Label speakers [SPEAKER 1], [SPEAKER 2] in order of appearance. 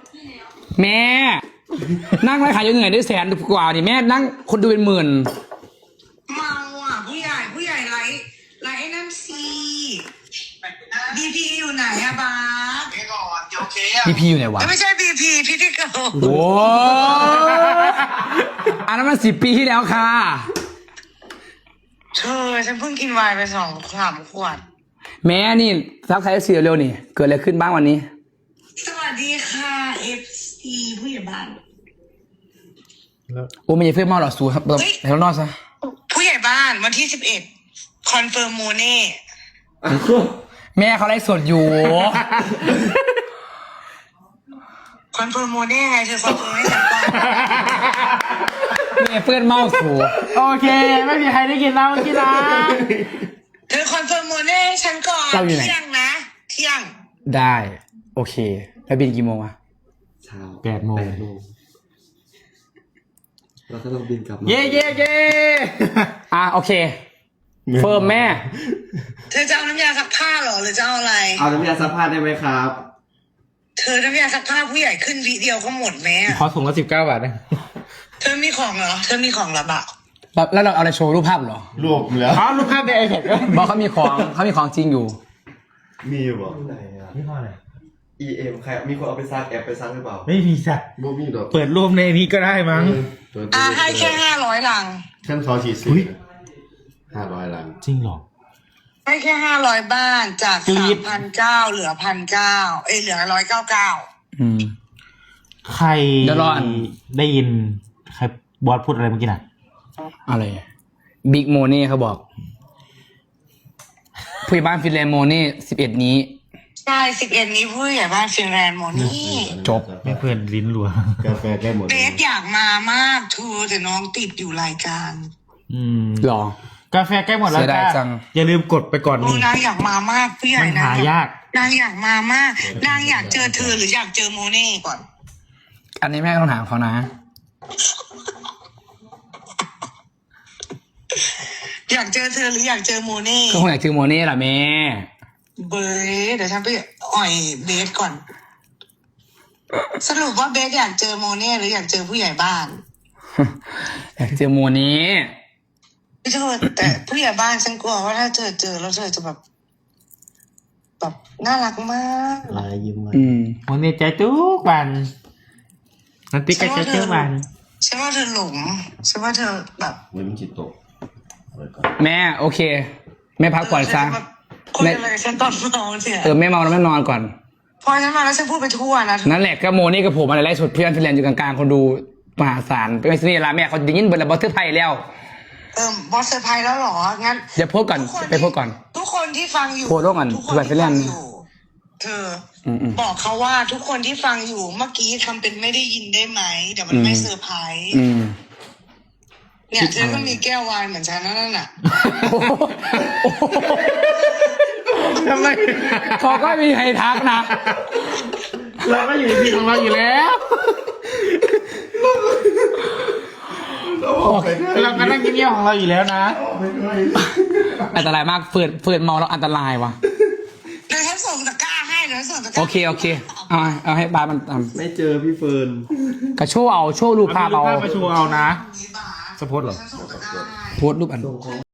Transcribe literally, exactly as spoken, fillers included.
[SPEAKER 1] แม่นั่งไลฟ์ขายยังไงได้แสนกว่านี่แม่นั่งคนดูเป็นหมื่น
[SPEAKER 2] เมาอ่ะผู้ใหญ่ผู้ใหญ่ไลฟ์ไลฟ์ไอ้นั่นสิบีพีอยู่ไหนอะบาส
[SPEAKER 3] นี่ก่อนโอเคอ่ะ
[SPEAKER 1] พี่พีอยู่ไหนวะ
[SPEAKER 2] ไม่ใช่บีพีพิธีกร
[SPEAKER 1] โอ้อันนั้นมันสิบปีที่แล้วค่ะ
[SPEAKER 2] เธอฉันเพิ่งกินไวน์ไปสองสามขวด
[SPEAKER 1] แม่นี่ซักไซส์เสียเร็วนี่เกิดอะไรขึ้นบ้างวันนี้
[SPEAKER 2] สวัสดีค่ะเอฟซีผู้ใหญ่บ้าน
[SPEAKER 1] โอ้ไม่ใช่เพื่อนเมาหรอกสูครับแบบแล้วนอกซะ
[SPEAKER 2] ผู้ใหญ่บ้านวันที่สิบเอ็ดคอนเฟิร์มโมเน่
[SPEAKER 1] แม่เขาไลฟ์สดอยู่
[SPEAKER 2] คอนเฟิร์มโมเน่ไงเธอคอนเฟิร์มให้ฉันก่อน
[SPEAKER 1] แม่เพื่อนเมาสู
[SPEAKER 4] โอเค ไม่มีใครได้กินแล้วเมื่อกี้นะ
[SPEAKER 2] เธอคอนเฟิร์มโมเน่ให้ฉันก่อนเที่ยงนะเที่ยง
[SPEAKER 1] ได้โอเคแล้วบินกี่โมงอะ
[SPEAKER 5] เช้า
[SPEAKER 4] แปดโมง
[SPEAKER 5] แปดโมงเราก็ต้องบินกลับมา
[SPEAKER 4] เย่เย่เย่
[SPEAKER 1] อ่ะโอเคเฟิร์มแม่
[SPEAKER 2] เธอจะเอาน้ำยาซักผ้าเหรอหรือจะเอาอะไร
[SPEAKER 5] เอาน้ำยาซักผ้าได้ไหมครับ
[SPEAKER 2] เธอน้ำยาซักผ้าผู้ใหญ่ขึ้นวิเดียวก็หมดไหมอะ
[SPEAKER 4] ขอถุงละสิบเก้าบาทนะ
[SPEAKER 2] เธอมีของเหรอ เธอมีของเหรอบ่า
[SPEAKER 1] แล้วแล้วเราเอาอะไรโชว์รูปภาพเหรอ
[SPEAKER 5] รวมแล้ว
[SPEAKER 4] อ๋อรูปภาพในไอแพดก็
[SPEAKER 1] บอกเขามีของเขามีของจริงอยู่
[SPEAKER 5] มีอยู่บ่ไหนอ่ะ
[SPEAKER 4] นี่พออะไร
[SPEAKER 5] อี เอ็ม ใครมีคนเอาไปซักแอบไปซักหรือเปล่า
[SPEAKER 4] ไม่มีสัตว์
[SPEAKER 5] บ่มีดอก
[SPEAKER 4] เปิดรูปในนี้ก็ได้มั้ง
[SPEAKER 2] อ่ะให้แค่ห้าร้อยลัง
[SPEAKER 5] ท่านเขาฉีดสี
[SPEAKER 4] อุ๊ย
[SPEAKER 5] ห้าร้อยลัง
[SPEAKER 4] จริงเหรอ
[SPEAKER 2] ให้แค่ห้าร้อยบ้านจาก
[SPEAKER 4] กรี๊
[SPEAKER 2] สาม
[SPEAKER 4] ด
[SPEAKER 2] พันเก้าเหลือพันเก้าเอ้ยเหลือร้อยเก้าเก้า
[SPEAKER 1] อืม
[SPEAKER 4] ใคร
[SPEAKER 1] เดี๋ยวรออัน
[SPEAKER 4] ได้ยินใครบอสพูดอะไรเมื่อกี้น่ะ
[SPEAKER 1] อะไรบิ๊กโมเน่เขาบอกผู้ใหญ่บ้านฟินแลนด์โมเน่สิบเอ็ดนี้
[SPEAKER 2] ใช่สิบเอ็ดนี้ผู้ใหญ่บ้านฟินแลนด์หมดนี่
[SPEAKER 1] จบ
[SPEAKER 4] ไม่เพื่อนลิ้นรัว
[SPEAKER 5] กาแฟได้หมด
[SPEAKER 2] เบสอยากมามากเธอแต่น้องติดอยู่รายการ
[SPEAKER 4] อืม
[SPEAKER 1] หรอ
[SPEAKER 4] กาแฟใกล้หมดแล้ว
[SPEAKER 1] เสียดาย
[SPEAKER 4] จ้า
[SPEAKER 1] จัง
[SPEAKER 4] อย่าลืมกดไปก่อน
[SPEAKER 2] ดู
[SPEAKER 4] นี่
[SPEAKER 2] นางอยากมามากผู้ใหญ่
[SPEAKER 4] มัน
[SPEAKER 2] นะ
[SPEAKER 4] หายาก
[SPEAKER 2] นางอยากมามากนางอยากเจอเธอหรืออยากเจอโมเน่ก่อน
[SPEAKER 1] อันนี้แม่ต้องถามเขานะ
[SPEAKER 2] อยากเจอเธอหรืออยากเจอโมเน่
[SPEAKER 1] ก็คงอยากเจอโมเน่แหละแม่
[SPEAKER 2] เบสเดี๋ยวฉันไปอ่อยเบสก่อน สรุปว่าเบสอยากเจอโมเน่หรืออยากเจอผู้ใหญ่บ้าน
[SPEAKER 1] อยากเจอโมเน่
[SPEAKER 2] เธอแต่ผู้ใหญ่บ้านฉันกลัวว่าถ้าเธอเจอแล้วเธอจะแบบแบบน่ารักมาก
[SPEAKER 5] ลายยิ้มมา
[SPEAKER 1] อืม
[SPEAKER 4] วันนี้ใจทุกวันนันติกใจทุกวัน
[SPEAKER 2] ฉันว่าเธอหลงฉันว่าเธอแบบ
[SPEAKER 5] เว้ยมันจิตตกไว้ก่อน
[SPEAKER 1] แม่โอเค แม่พักผ่อนซะ
[SPEAKER 2] เธจะแบบคุยอะไรกับฉันตอนนอนเสีย
[SPEAKER 1] เออแม่เมาแล้วแม่นอนก่อน
[SPEAKER 2] พอฉันมาแล้วฉันพูดไปทั่วนะ
[SPEAKER 1] นั่นแหละก็โมนี่กับผมอะไรไล่สดเพื่อนฟินแลนด์อยู่กลางๆคนดูมหาศาลไม่ใช่นี่ละแม่เขาจะยินเบอร์ละบอสเตอร์ไพแล้ว
[SPEAKER 2] เออบอสเซอร์ไพรส์แล้วเหรองั้น
[SPEAKER 1] เดี๋ยวโพสต์ก่อน
[SPEAKER 2] ทุคน
[SPEAKER 1] ไปโพสต์ก่อน
[SPEAKER 2] ทุกคนที่ฟังอยู่
[SPEAKER 1] โพสต์ก่อน
[SPEAKER 2] ทุกคน
[SPEAKER 1] เผื่อไป
[SPEAKER 2] ที่
[SPEAKER 1] เล่
[SPEAKER 2] ฟั
[SPEAKER 1] น
[SPEAKER 2] งอยู่เธออ
[SPEAKER 1] มๆ
[SPEAKER 2] บอกเขาว่าทุกคนที่ฟังอยู่เมื่อกี้ทำเป็นไม่ได้ยินได้ไหมเดี๋ยวมันไม่เซอร์ไพรส์
[SPEAKER 1] อืม
[SPEAKER 2] เนี่ยเธอก็มีแก้ววายเหมือนฉันนั่นน่ะ
[SPEAKER 4] ทำไม
[SPEAKER 1] เขาก็มีใครทักนะ
[SPEAKER 4] เราก็อยู่ในที่ของเราอยู่แล้ว เราก็นั่งกินเยี่ยวของเราอยู่แล้วนะ
[SPEAKER 1] อันตรายมากเฟืดเฟืดเมาแล้วอันตรายวะ
[SPEAKER 2] เดี๋ยวฉันส่งตะกร้าให้เดี๋ยวฉันส่งตะกร้า
[SPEAKER 1] โอเคโอเคเอามาเอาให้บาสมันท
[SPEAKER 5] ไม่เจอพี่เฟิร์น
[SPEAKER 1] ำกระโชว์เอาโชว์รูปภาพเอา
[SPEAKER 4] เอารูปภาพมาโชว์เอานะ
[SPEAKER 2] นี่บาส
[SPEAKER 4] สปอร์ตเหรอ
[SPEAKER 2] ฉันส่งตะกร้าให้
[SPEAKER 1] โพสต์รูปอัน